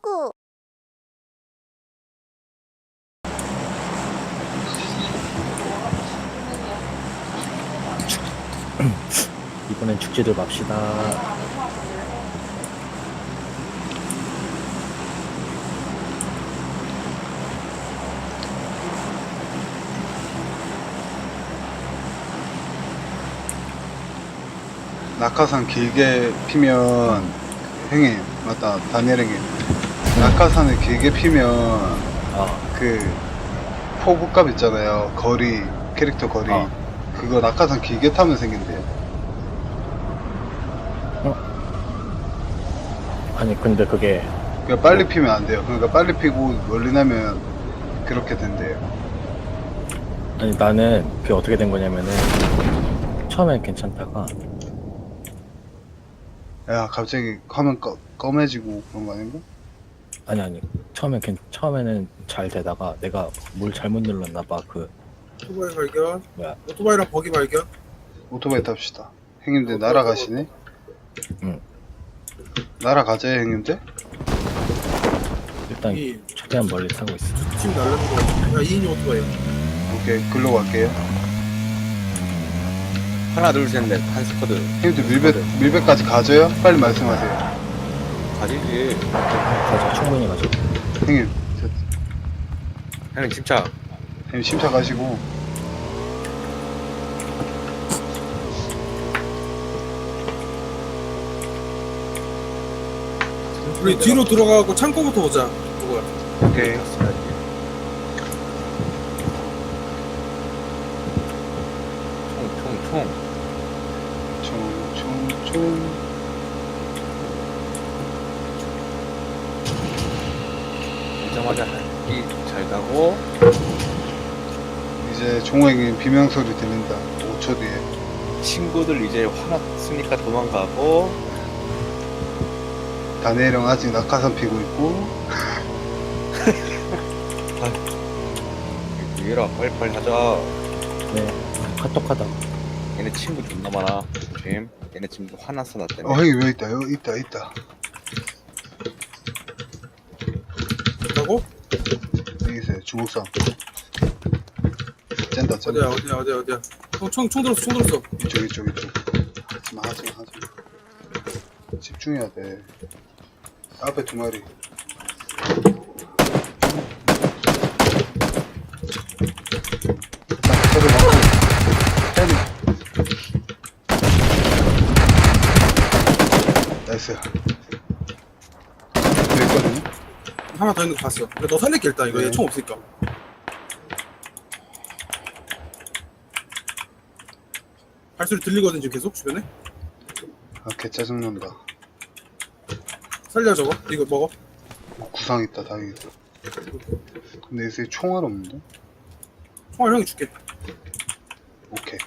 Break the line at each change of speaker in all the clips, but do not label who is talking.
친구.
이번엔 축제들 맙시다.
낙하산 길게 피면 형님 맞다 다니엘 형님 낙하산을 길게 피면 그 포구값 있잖아요 거리 캐릭터 거리 그거 낙하산 길게 타면 생긴대요.
아니 근데 그게
그러니까 빨리 피면 안 돼요. 그러니까 빨리 피고 멀리 나면 그렇게 된대요.
아니 나는 그게 어떻게 된 거냐면은 처음엔 괜찮다가
야 갑자기 화면 검해지고 그런 거 아닌가?
아니 처음에는 잘 되다가 내가 뭘 잘못 눌렀나 봐. 그
오토바이 발견.
뭐야
오토바이랑 버기 발견.
오토바이 탑시다. 형님들 날아가시네?
응.
날아가자요 형님들?
일단
이
최대한 멀리 타고 있어.
팀 날르는 거. 야 2인이 오토바이.
오케이 글로 갈게요.
하나 둘셋넷 한 스쿼드
형님들 밀배까지 가져요? 빨리 말씀하세요.
가지지.
가자 충분히 가자.
형님
형님 침착.
형님 침착하시고
우리 뒤로 들어가고 창고부터 오자. 누구야?
오케이
총총총.
총총총
오자마자 잘 가고.
이제 종호형님 비명소리 들린다. 5초 뒤에.
친구들 이제 화났으니까 도망가고.
다니엘 형 아직 낙하산 피고 있고.
얘들아 빨리빨리 하자.
네 카톡하다.
얘네 친구 존나 많아. 조심. 얘네 친구 화났어 나 때문에.
형님 왜 있다. 여기 있다.
있다고?
여기 있어요. 주먹상. 짠다.
어디야? 총 들었어.
이쪽. 하지마. 집중해야 돼. 앞에 두 마리. 저를 막고. 때리. 나이스. 여기 있거든요?
하나 더 있는 거 봤어. 근데 너 살릴게 일단 이거
네.
얘 총 없으니까. 발소리 들리거든 지금 계속 주변에.
아, 개 짜증난다.
살려 저거. 이거 먹어.
구상 있다, 다행이다. 근데 요새 총알 없는데?
총알 형이 줄게.
오케이.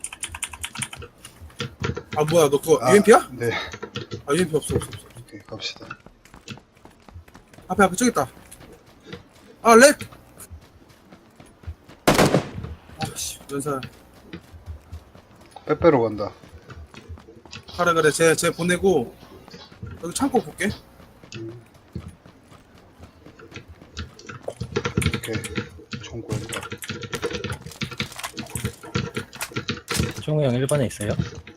아 뭐야 너 그거 UMP야?
네.
아 UMP 없어.
오케이, 갑시다.
앞에 저기 있다. 아 렉. 아씨 연사.
빼빼로 간다.
그래 쟤 보내고 여기 창고 볼게.
오케이. 총 구했다.
종우 형 1번에 있어요?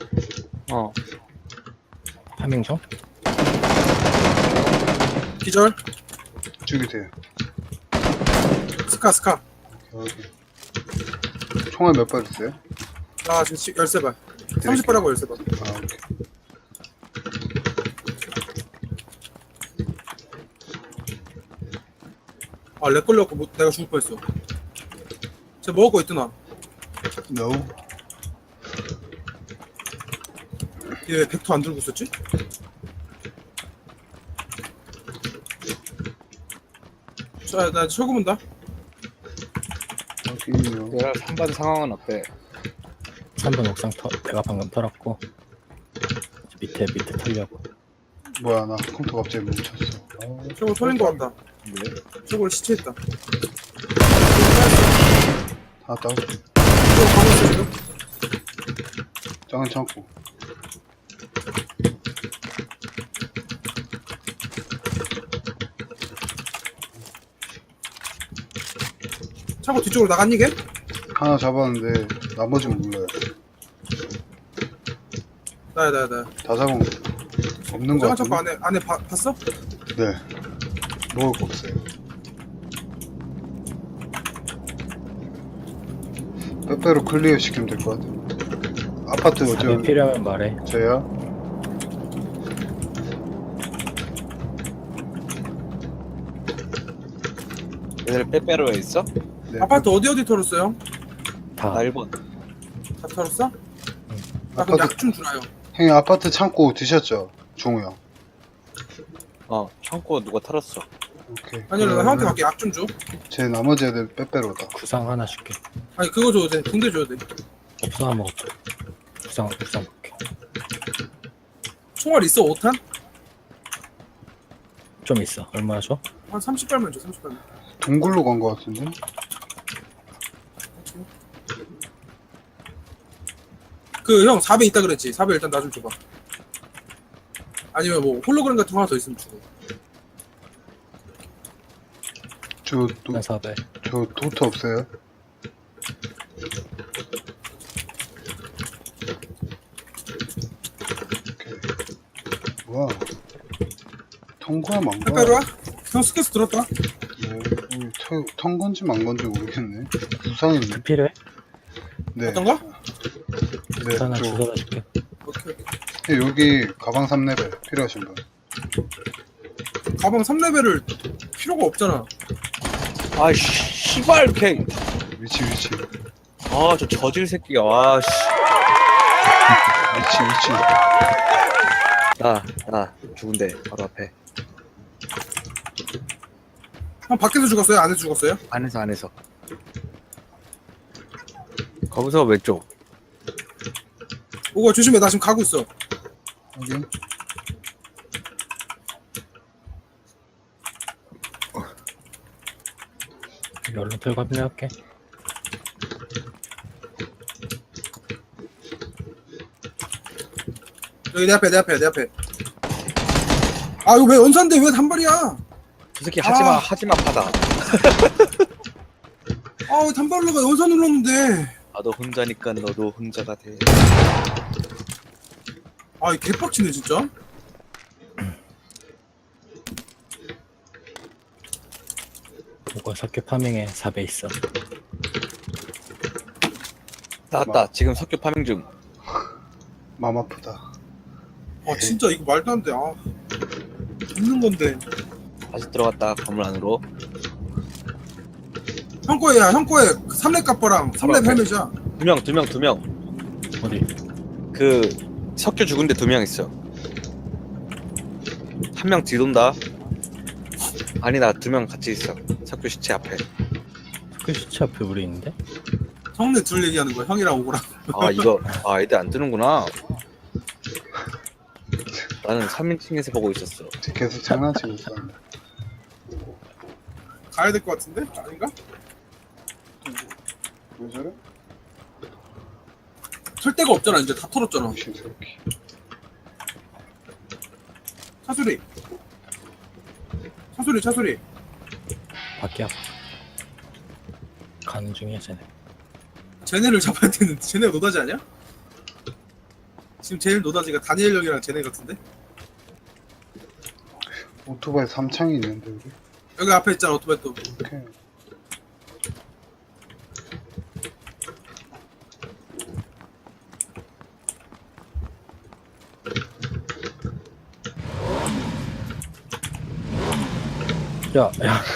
파밍총?
기절.
죽이세요.
스카.
오케이. 총알 몇 발 있어요?
아 지금 13발. 30발하고 13발.
아, 오케이.
아 렉 걸려갖고 내가 죽을 뻔했어. 쟤 먹을 거 있더나.
No.
얘 왜 벡터 안 들고 있었지? 자, 나 철구 문다.
확인요.
얘들아 3번 상황은 어때?
3번 옥상 내가 방금 털었고 밑에 털려고.
뭐야, 나 컴퓨터 갑자기 멈췄어.
철구 털린 거 같다.
왜?
철구를 시체했다.
다 다운.
철구 가고 있어 지금?
짱은 참고.
차고 뒤쪽으로 나갔니 걔?
하나 잡았는데 나머지는 몰라요.
나야.
다 잡은 거 없는 거
제가 차고
같은데?
안에 봤어?
네. 먹을 거 없어요. 빼빼로 클리어 시키면 될 것 같아요. 아파트
답이
어쩌
필요하면 말해.
저요?
얘들 빼빼로에 있어?
네.
아파트 어디 털었어요?
다.
나 1번.
다 털었어? 나 그럼
아파트
약 좀 주라요.
형님 아파트 창고 드셨죠? 종우 형.
창고 누가 털었어.
오케이.
아니 나
그러면은
형한테 밖에 약 좀 줘.
제 나머지 애들 빼빼로다.
구상 하나 줄게.
아니 그거 줘도 돼. 붕대 줘도 돼.
없어 안 먹었어. 구상 먹게.
총알 있어 5탄?
좀 있어. 얼마 줘?
한 30발만 줘 30발만.
동굴로 간 거 같은데?
그 형 4배 있다 그랬지. 4배 일단 나 좀 줘봐. 아니면 뭐 홀로그램 같은 거 하나 더 있으면 주고.
난 4배.
저 도트 없어요? 오케이. 와. 통과하면 안 가.
빼빼로야? 형 스케스 들었다.
턴 건지 만 건지 모르겠네. 부상이네.
필요해?
네.
어떤 거?
네.
하나
저,
주워다 줄게.
오케이.
여기 가방 3레벨 필요하신 분.
가방 3레벨을 필요가 없잖아.
아, 씨발, 걔.
위치.
아, 저 저질 새끼가. 와, 씨.
위치.
나, 죽은데, 바로 앞에.
형 밖에서 죽었어요? 안에서 죽었어요?
안에서. 거기서 왼쪽.
오고 조심해. 나 지금 가고 있어.
확인.
열로 들고 합류할게.
여기 내 앞에. 아 이거 왜 연산데 왜 단발이야?
저 새끼 하지마, 파다.
아 왜 단발로 가? 연산 눌렀는데.
나도 혼자니까 너도 혼자가 돼.
아 이 개빡치네 진짜.
이거 석유 파밍에 4배 있어.
나왔다. 지금 석유 파밍 중.
맘 아프다.
아 진짜 이거 말도 안 돼. 아 있는 건데.
다시 들어갔다. 건물 안으로.
형 거야. 형 거에 3렙 갑바랑 3렙 헬멧이야.
두 명.
어디?
그 석유 죽은데 2명 있어. 한 명 뒤돈다. 아니다, 2명 같이 있어. 석유 시체 앞에.
석유 시체 앞에 우리 있는데?
형네 둘 얘기하는 거야. 형이랑 오고랑.
애들 안 뜨는구나. 나는 3인칭에서 보고 있었어.
계속 장난치고 있었는데.
가야 될 것 같은데? 아닌가?
왜 저래?
털 데가 없잖아. 이제 다 털었잖아.
무신스럽게.
차소리.
밖이야. 가는 중이야 쟤네.
쟤네를 잡아야 되는데 쟤네가 노다지 아니야? 지금 제일 노다지가 다니엘 형이랑 쟤네 같은데?
오토바이 3창이 있는데 우리.
여기 앞에 있잖아 오토바이 또.
오케이.
야.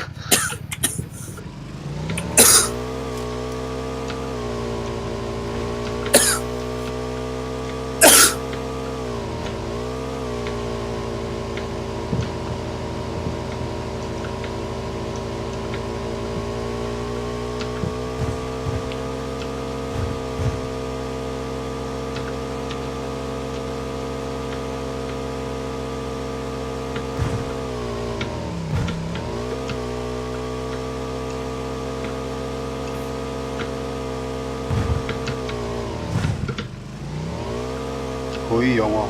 거의 영화.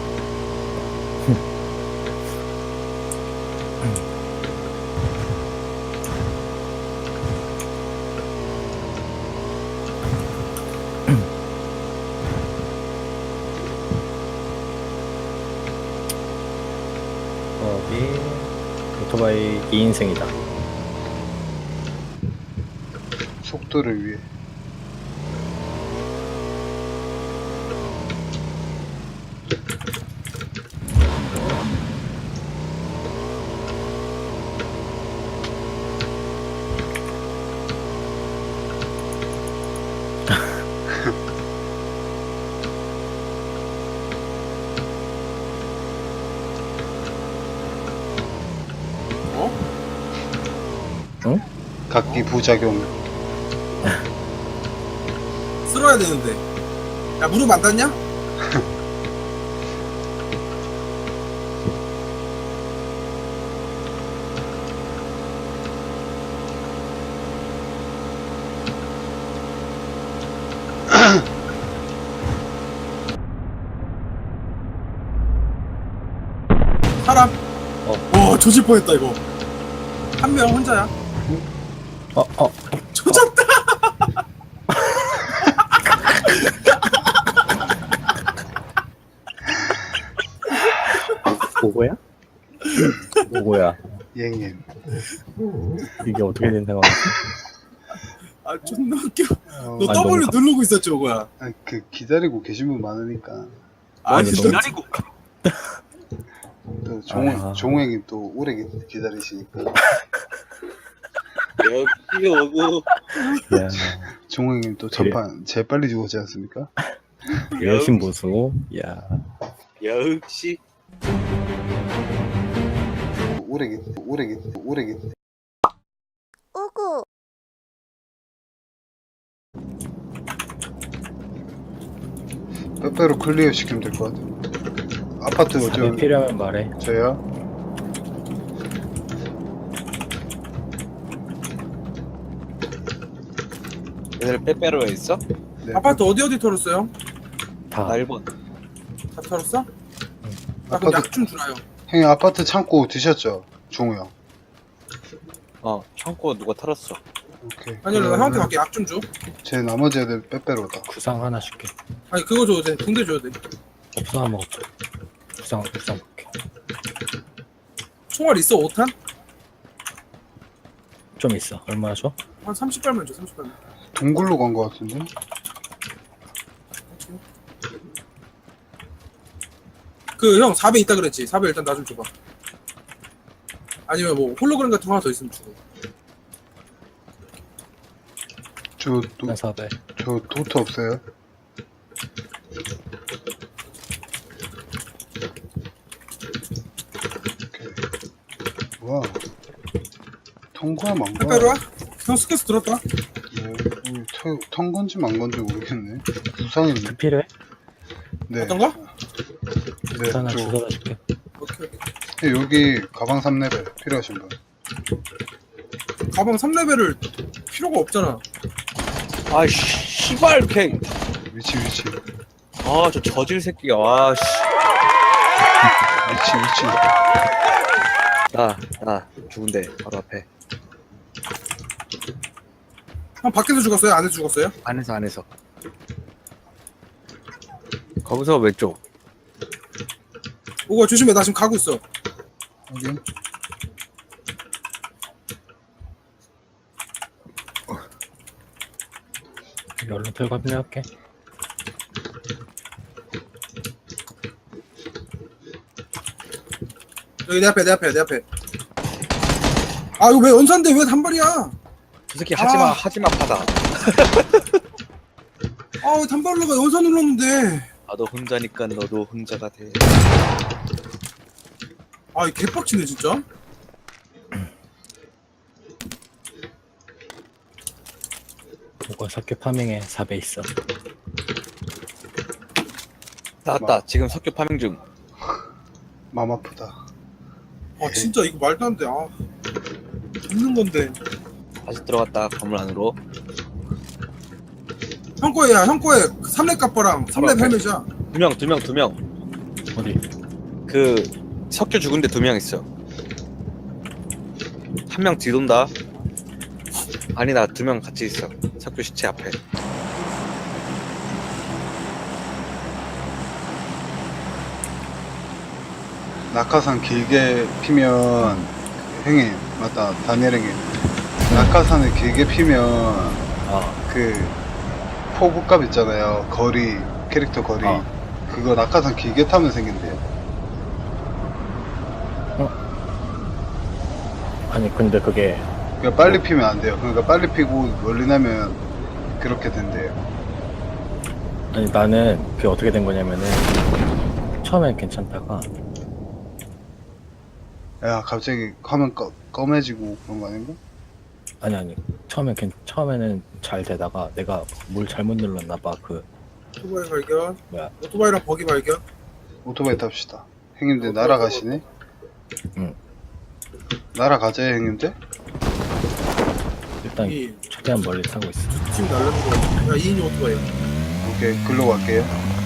직업이 오토바이 2인승이다.
속도를 위해. 각기 부작용.
쓸어야 되는데. 야, 무릎 안 닿냐? 사람. 조질 뻔했다 이거. 한 명 혼자야. 조졌다.
뭐고야? 뭐고야?
예님.
이게 어떻게 된 상황이지?
아 존나 웃겨. 너
아니,
W
너무
누르고 있었지 뭐야.
아, 그 기다리고 계신 분 많으니까.
아니
너무-
기다리고.
또
아.
종행이 또 오래 기다리시니까.
여기 오고
야,
종행님 또 전판 제일 빨리 죽었지 않습니까?
여신 보수. 야,
역시
오래
오구
빼빼로 클리어 시키면 될 것 같아요. 아파트
답이
저
필요하면 말해.
저요?
얘들 빼빼로에 있어?
네.
아파트 어디 털었어요?
다.
나 1번.
다 털었어? 나 그럼
아파트
약 좀 주라요.
형님 아파트 창고 드셨죠? 종우 형.
창고 누가 털었어.
오케이.
아니 나 형한테 갈게. 약 좀 줘.
제 나머지 애들 빼빼로다.
구상 하나 줄게.
아니 그거 줘도 돼. 붕대 줘도 돼.
없어 안 먹었어. 구상 먹게.
총알 있어 5탄?
좀 있어. 얼마나 줘?
한 30발만 줘. 30발만.
동굴로 간 것 같은데?
그 형 4배 있다 그랬지. 4배 일단 나 좀 줘봐. 아니면 뭐 홀로그램 같은 거 하나 더 있으면 주고.
난 4배.
저 도트 없어요? 오케이. 와. 통과하면 안 가.
빼빼로야? 형 스케스 들었다.
턴 건지 만 건지 모르겠네. 부상했네.
필요해?
네.
어떤 거?
네,
하나
저
주워다 줄게.
오케이.
여기 가방 3레벨 필요하신 분.
가방 3레벨을 필요가 없잖아.
아 씨발 개.
위치.
저 저질 새끼가. 와 씨.
위치.
나 죽은데 바로 앞에.
형 밖에서 죽었어요? 안에서 죽었어요?
안에서. 거기서 왼쪽.
오가 조심해. 나 지금 가고 있어.
확인.
얼른 털고 합류할게.
여기 내 앞에. 아 이거 왜 연산데 왜 단발이야?
저 새끼 하지마 파다.
아 왜 단발로 가? 연산 눌렀는데.
나도 혼자니까 너도 혼자가 돼.
아 이 개빡치네 진짜.
뭐가 석유 파밍에 4배 있어.
나왔다. 지금 석유 파밍 중.
맘 아프다.
아 진짜 이거 말도 안 돼. 아 있는 건데.
다시 들어갔다 건물 안으로.
형 거야. 형 거에 3렙 갑바랑 3렙 헬멧이야.
두 명.
어디?
그 석유 죽은데 2명 있어. 한 명 뒤돈다. 아니다 2명 같이 있어. 석유 시체 앞에.
낙하산 길게 피면 형님 맞다 다니엘 형님 낙하산을 길게 피면
아,
그 포부값 있잖아요 거리 캐릭터 거리
아.
그거 낙하산 길게 타면 생긴대요.
아니 근데 그게
그러니까 빨리 피면 안 돼요. 그러니까 빨리 피고 멀리 나면 그렇게 된대요.
아니 나는 그게 어떻게 된 거냐면은 처음엔 괜찮다가
야 갑자기 화면 검해지고 그런 거 아닌가?
아니 처음에는 잘 되다가 내가 뭘 잘못 눌렀나 봐그
오토바이 발견.
뭐야
오토바이랑 버기 발견.
오토바이 탑시다. 형님들 날아가시네?
응.
날아가자요 형님들?
일단
이
최대한 멀리 타고 있어.
지금 날라는 거. 야 2인용 오토바이.
오케이 글로 갈게요.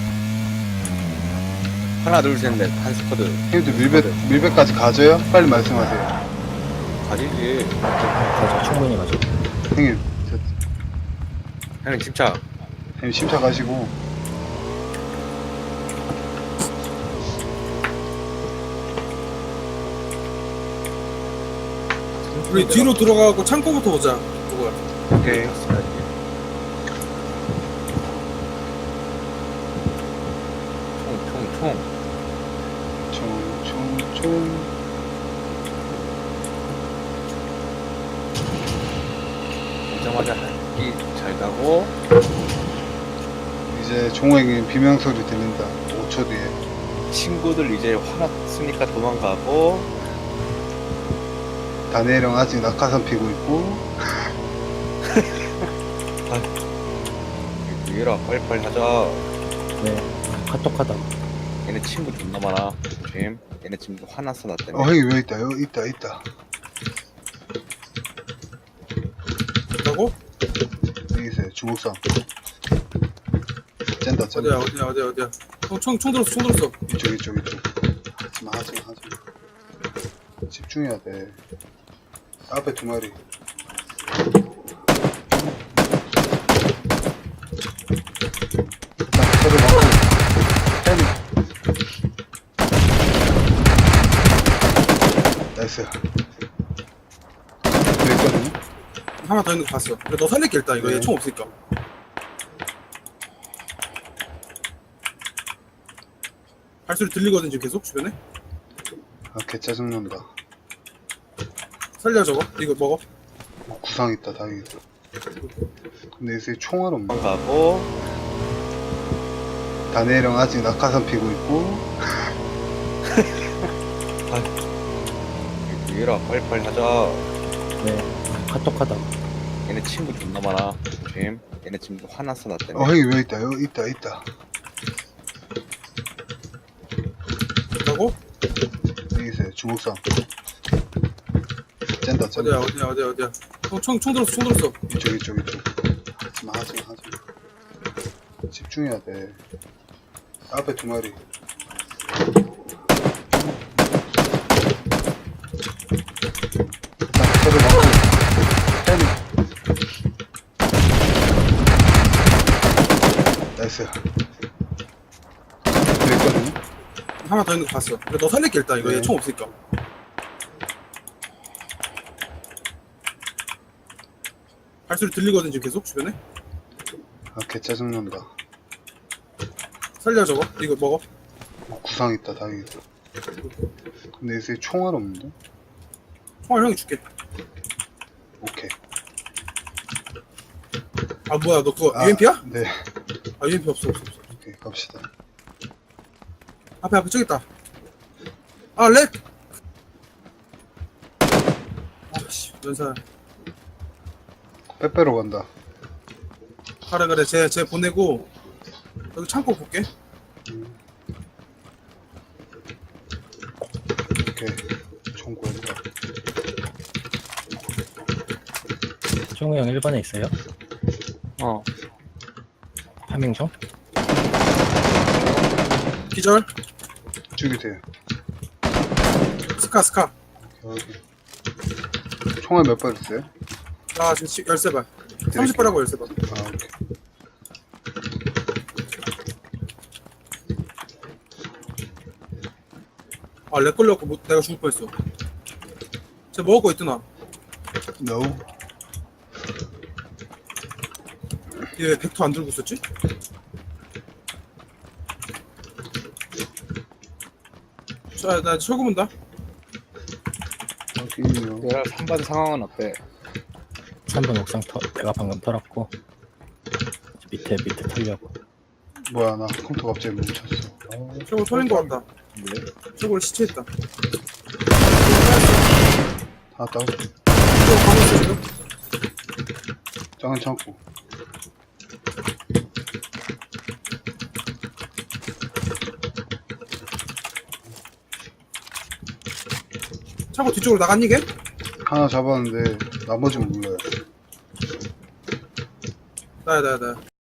하나 둘 셋 넷 한 스쿼드
형님들 밀배까지 가져요? 빨리 말씀하세요.
가지지.
가자 충분히 가자.
형님
형님 침착.
형님 침착하시고
우리 뒤로 들어가고 창고부터 보자. 누구야?
오케이.
총총총.
총총총
오자마자 한끼 잘 가고.
이제 종호 형님 비명소리 들린다. 5초 뒤에.
친구들 이제 화났으니까 도망가고.
다니엘 형 아직 낙하산 피고 있고
얘들아 빨리빨리 하자.
네 카톡하다.
얘네 친구 존나 많아. 조심. 얘네 지금 화났어 나 때문에.
형님 왜 있다 여기 있다
있다고?
여기 있어요 주먹상 짠다
어디야? 총 들었어.
이쪽 하지마 집중해야 돼. 앞에 두 마리. 일단 서로 맞고 pen. 나이스. 여기 있거든요?
하나 더 있는 거 봤어. 근데 너 살릴게 일단 이거
네.
얘 총 없으니까. 발소리 들리거든 지금 계속 주변에.
아, 개 짜증난다.
살려 저거. 이거 먹어.
구상 있다, 다행이다. 근데 요새 총알 없네.
도망가고.
다니엘 형 아직 낙하산 피고 있고.
얘들아 빨리빨리 하자.
네 카톡하다.
얘네 친구 존나 많아. 조심. 얘네 지금 화났어 나 때문에.
형님 왜 있다, 여기 있다.
있다고?
여기 있어요, 주먹상. 짠다.
어디야? 총 들었어.
이쪽. 하지마. 집중해야 돼. 앞에 두 마리. 일단 서로 맞고 pen. 나이스. 여기 있거든요?
하나 더 있는 거 봤어. 근데 너 살릴게 일단 이거
네.
얘 총 없으니까. 발소리 들리거든 지금 계속 주변에.
아, 개 짜증난다.
살려 저거. 이거 먹어.
구상 있다, 다행이다. 근데 요새 총알 없는데?
총알 형이 줄게.
오케이.
아 뭐야 너 그거 UMP야?
네.
아 UMP 없어.
오케이, 갑시다.
앞에 저기 있다. 아 렉. 아씨 연사.
빼빼로 간다.
그래 쟤 보내고 여기 창고 볼게.
오케이. 총 구했다.
종우 형 1번에 있어요? 파밍 중?
기절.
죽이세요.
스카.
오케이. 총알 몇 발 있어요?
아 지금 13발. 30발하고 13발.
아, 오케이.
아, 렉 걸려갖고 내가 죽을 뻔했어. 쟤 먹을 거 있더나?
No.
얘 왜 벡터 안 들고 있었지? 자, 나 철구 본다.
확인요.
내가 3번 상황은 어때?
3번 옥상 내가 방금 털었고 밑에 털려고.
뭐야, 나 컴퓨터 갑자기 멈췄어.
철구 털린 거 같다.
네.
철구를 시체했다.
다 다운.
철구 가고 있어, 지금?
작은 창고.
창고 뒤쪽으로 나갔니, 걔?
하나 잡았는데, 나머지는 몰라요.
나야.